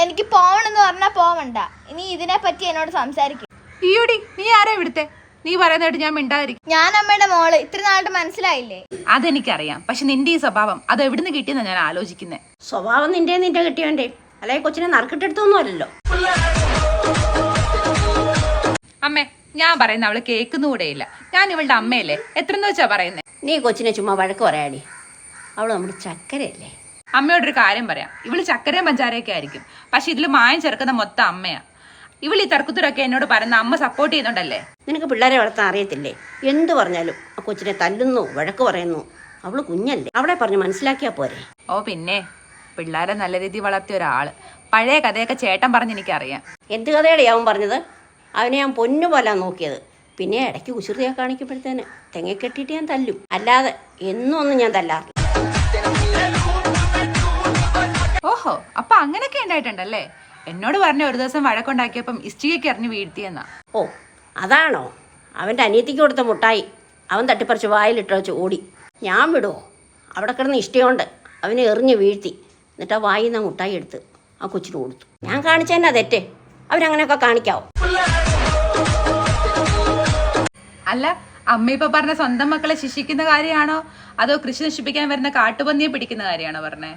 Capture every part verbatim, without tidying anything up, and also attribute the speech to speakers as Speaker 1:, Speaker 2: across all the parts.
Speaker 1: എനിക്ക് പോവണെന്ന് പറഞ്ഞാ പോവണ്ട. ഇനി ഇതിനെ പറ്റി എന്നോട് സംസാരിക്കും.
Speaker 2: ഈയോടി നീ ആരാ ഇവിടുത്തെ? നീ പറയുന്നതായിട്ട് ഞാൻ മിണ്ടാതിരിക്കും.
Speaker 1: ഞാൻ അമ്മയുടെ മോള്. ഇത്ര നാളായിട്ട് മനസ്സിലായില്ലേ?
Speaker 2: അതെനിക്കറിയാം. പക്ഷെ നിന്റെ ഈ സ്വഭാവം അത് എവിടുന്ന് കിട്ടിയെന്നാ ഞാൻ ആലോചിക്കുന്നത്.
Speaker 3: സ്വഭാവം നിന്റെ നിന്റെ കിട്ടിയവന്റെ അല്ലെ കൊച്ചിനെ നറുക്കിട്ടെടുത്തൊന്നും അല്ലല്ലോ.
Speaker 2: അമ്മേ, ഞാൻ പറയുന്ന അവള് കേൾക്കുന്നുകൂടെയില്ല. ഞാൻ ഇവളുടെ അമ്മയല്ലേ, എത്രന്ന് വെച്ചാ പറയുന്നേ?
Speaker 3: നീ കൊച്ചിനെ ചുമ്മാ വഴക്ക് പറയാടി. അവള് നമ്മുടെ ചക്കരയല്ലേ.
Speaker 2: അമ്മയോടൊരു കാര്യം പറയാം. ഇവള് ചക്കരയും പഞ്ചാരയൊക്കെ ആയിരിക്കും, പക്ഷെ ഇതിൽ മായം ചേർക്കുന്ന മൊത്തം അമ്മയാ. ഇവൾ ഈ തർക്കുത്തരൊക്കെ എന്നോട് പറയുന്ന അമ്മ സപ്പോർട്ട് ചെയ്യുന്നുണ്ടല്ലേ.
Speaker 3: നിനക്ക് പിള്ളേരെ വളർത്താൻ അറിയത്തില്ലേ? എന്ത് പറഞ്ഞാലും ആ കൊച്ചിനെ തല്ലുന്നു, വഴക്ക് പറയുന്നു. അവള് കുഞ്ഞല്ലേ, അവളെ പറഞ്ഞ് മനസ്സിലാക്കിയാ പോരെ.
Speaker 2: ഓ പിന്നെ, പിള്ളേരെ നല്ല രീതിയിൽ വളർത്തിയ ഒരാള്. പഴയ കഥയൊക്കെ ചേട്ടൻ പറഞ്ഞ് എനിക്കറിയാം.
Speaker 3: എന്ത് കഥയുടെ അവൻ പറഞ്ഞത്? അവനെ ഞാൻ പൊന്നുപോലെ നോക്കിയത്. പിന്നെ ഇടയ്ക്ക് കുസൃതിയെ കാണിക്കുമ്പോഴത്തേന് തെങ്ങ കെട്ടിയിട്ട് ഞാൻ തല്ലും, അല്ലാതെ എന്നും ഒന്നും ഞാൻ തല്ലാറില്ല.
Speaker 2: ഓഹോ, അപ്പൊ അങ്ങനെയൊക്കെ ഉണ്ടായിട്ടുണ്ടല്ലേ. എന്നോട് പറഞ്ഞ ഒരു ദിവസം വഴക്കുണ്ടാക്കിയപ്പം ഇഷ്ടികയ്ക്ക് എറിഞ്ഞ് വീഴ്ത്തിയെന്നാ.
Speaker 3: ഓ അതാണോ? അവൻ്റെ അനിയത്തിക്ക് കൊടുത്ത മുട്ടായി അവൻ തട്ടിപ്പറിച്ച് വായിലിട്ട് വെച്ച് ഓടി. ഞാൻ വിടുമോ? അവിടെ കിടന്ന് ഇഷ്ടമുണ്ട് അവനെ എറിഞ്ഞ് വീഴ്ത്തി. എന്നിട്ട് ആ വായിൽ നിന്ന് മുട്ടായി എടുത്ത് ആ കൊച്ചിന് കൊടുത്തു. ഞാൻ കാണിച്ചതന്നെ തെറ്റ്. അവരങ്ങനെയൊക്കെ കാണിക്കാവോ?
Speaker 2: അല്ല, അമ്മ ഇപ്പൊ പറഞ്ഞ സ്വന്തം മക്കളെ ശിക്ഷിക്കുന്ന കാര്യമാണോ അതോ കൃഷി നശിപ്പിക്കാൻ വരുന്ന കാട്ടുപന്നിയെ പിടിക്കുന്ന കാര്യമാണോ പറഞ്ഞേ?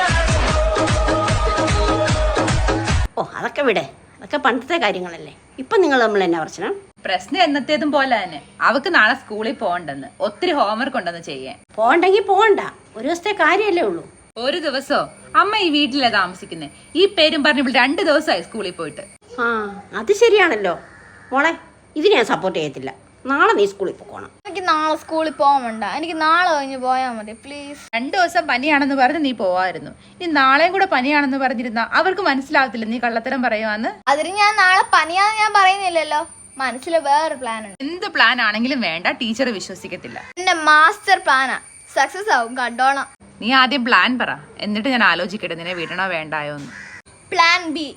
Speaker 3: ഓ അതൊക്കെ വിടെ, അതൊക്കെ പണ്ടത്തെ കാര്യങ്ങളല്ലേ. ഇപ്പം നിങ്ങൾ നമ്മൾ എന്നാ പ്രശ്നം?
Speaker 2: പ്രശ്നം എന്നത്തേതും പോലെ തന്നെ. അവക്ക് നാളെ സ്കൂളിൽ പോകണ്ടെന്ന്, ഒത്തിരി ഹോംവർക്ക് ഉണ്ടെന്ന് ചെയ്യാൻ.
Speaker 3: പോകണ്ടെങ്കിൽ പോകണ്ട, ഒരു ദിവസത്തെ കാര്യമല്ലേ ഉള്ളൂ.
Speaker 2: ഒരു ദിവസോ? അമ്മ ഈ വീട്ടിലാ താമസിക്കുന്നത്. ഈ പേരും പറഞ്ഞ് ഇവിടെ രണ്ട് ദിവസമായി സ്കൂളിൽ പോയിട്ട്.
Speaker 3: ആ അത് ശരിയാണല്ലോ മോളെ, ഇത് ഞാൻ സപ്പോർട്ട് ചെയ്യത്തില്ല. നാളെ നീ സ്കൂളിൽ പോകണം.
Speaker 1: എനിക്ക് നാളെ സ്കൂളിൽ പോവണ്ട. എനിക്ക് നാളെ കഴിഞ്ഞ് പോയാൽ മതി പ്ലീസ്.
Speaker 2: രണ്ടു ദിവസം പനിയാണെന്ന് പറഞ്ഞ് നീ പോവായിരുന്നു. ഇനി നാളെയും കൂടെ പനിയാണെന്ന് പറഞ്ഞിരുന്ന അവർക്ക് മനസ്സിലാവത്തില്ല നീ കള്ളത്തരം പറയുവാന്ന്.
Speaker 1: അതിന് ഞാൻ നാളെ പനിയാന്ന് ഞാൻ പറയുന്നില്ലല്ലോ. മനസ്സിൽ വേറൊരു പ്ലാൻ ഉണ്ട്.
Speaker 2: എന്ത് പ്ലാൻ ആണെങ്കിലും വേണ്ട, ടീച്ചർ വിശ്വസിക്കത്തില്ല.
Speaker 1: എന്റെ മാസ്റ്റർ പ്ലാനാ, സക്സസ് ആവും, കണ്ടോണം.
Speaker 2: നീ ആദ്യം പ്ലാൻ പറ, എന്നിട്ട് ഞാൻ ആലോചിക്കട്ടെ നിന്നെ വിടണോ വേണ്ടായോ എന്ന്.
Speaker 1: Plan B.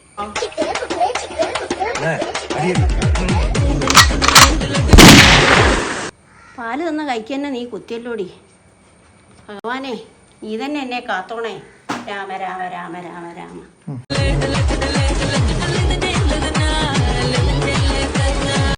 Speaker 3: പാല് തന്ന കൈക്ക് തന്നെ നീ കുത്തിയല്ലോടി. ഭഗവാനെ, നീ തന്നെ എന്നെ കാത്തോണേ. രാമ രാമ രാമ രാമ രാമ.